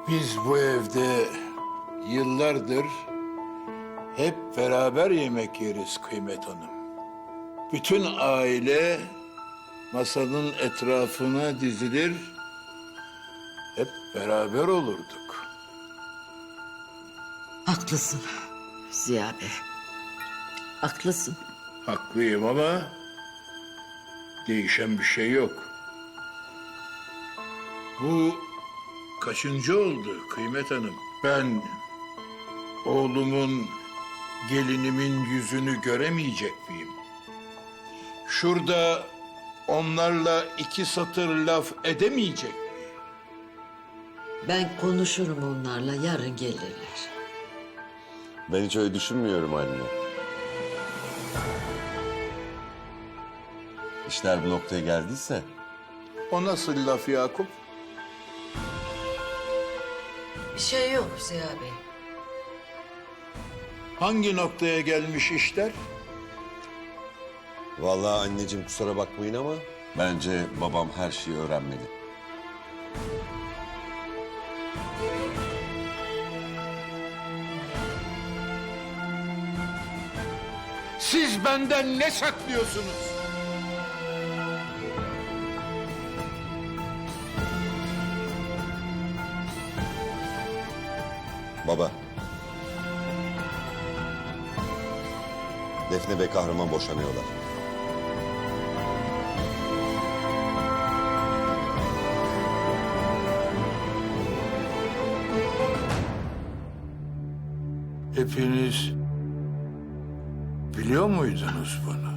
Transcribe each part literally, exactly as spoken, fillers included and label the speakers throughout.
Speaker 1: Biz bu evde yıllardır hep beraber yemek yeriz Kıymet Hanım. Bütün aile masanın etrafına dizilir, hep beraber olurduk.
Speaker 2: Haklısın Ziya Bey. Haklısın.
Speaker 1: Haklıyım ama değişen bir şey yok. Bu kaçıncı oldu Kıymet Hanım? Ben oğlumun, gelinimin yüzünü göremeyecek miyim? Şurada onlarla iki satır laf edemeyecek miyim?
Speaker 2: Ben konuşurum onlarla, yarın gelirler.
Speaker 3: Ben hiç öyle düşünmüyorum anne. İşler bu noktaya geldiyse
Speaker 1: O nasıl laf Yakup?
Speaker 2: Bir şey yok Ziya Bey.
Speaker 1: Hangi noktaya gelmiş işler?
Speaker 3: vallahi anneciğim kusura bakmayın ama bence babam her şeyi öğrenmeli.
Speaker 1: Siz benden ne saklıyorsunuz?
Speaker 3: Baba. Defne ve Kahraman boşanıyorlar.
Speaker 1: Hepiniz biliyor muydunuz bunu?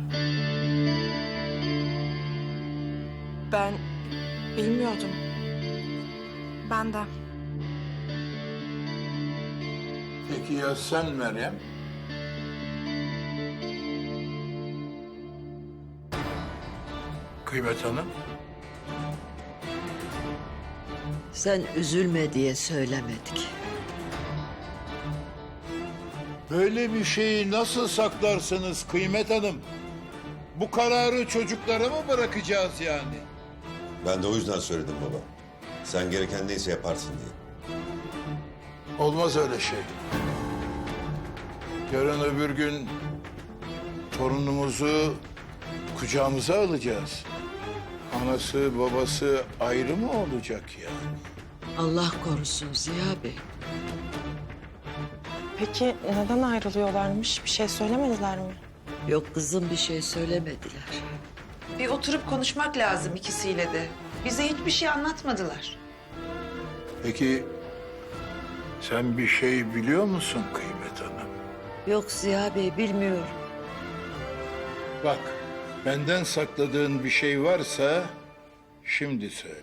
Speaker 4: Ben bilmiyordum. Ben de.
Speaker 1: Peki ya sen Meryem? Kıymet Hanım?
Speaker 2: Sen üzülme diye söylemedik.
Speaker 1: Böyle bir şeyi nasıl saklarsınız Kıymet Hanım? Bu kararı çocuklara mı bırakacağız yani?
Speaker 3: Ben de o yüzden söyledim baba. Sen gereken neyse yaparsın diye.
Speaker 1: Olmaz öyle şey. Yarın öbür gün torunumuzu kucağımıza alacağız. Anası babası ayrı mı olacak yani?
Speaker 2: Allah korusun Ziya Bey.
Speaker 4: Peki neden ayrılıyorlarmış? Bir şey söylemediler mi?
Speaker 2: Yok kızım, bir şey söylemediler.
Speaker 5: Bir oturup konuşmak lazım ikisiyle de. Bize hiçbir şey anlatmadılar.
Speaker 1: Peki sen bir şey biliyor musun Kıymet Hanım?
Speaker 2: Yok Ziya Bey, bilmiyorum.
Speaker 1: Bak, benden sakladığın bir şey varsa şimdi söyle.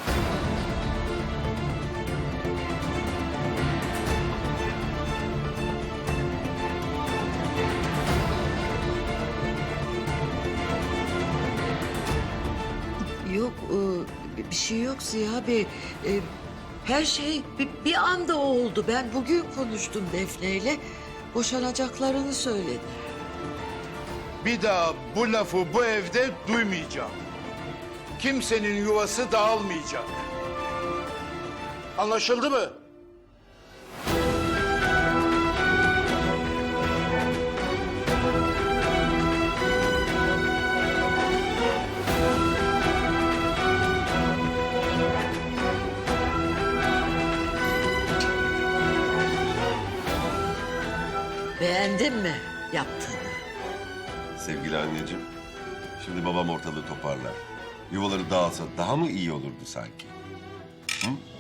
Speaker 2: Yok, e, bir şey yok Ziya Bey. E, Her şey bir, bir anda oldu. Ben bugün konuştum Defne'yle. Boşanacaklarını söyledi.
Speaker 1: Bir daha bu lafı bu evde duymayacağım. Kimsenin yuvası dağılmayacak. Anlaşıldı mı?
Speaker 2: Beğendin mi yaptığını?
Speaker 3: Sevgili anneciğim, şimdi babam ortalığı toparlar. Yuvaları dağılsa daha mı iyi olurdu sanki? Hı?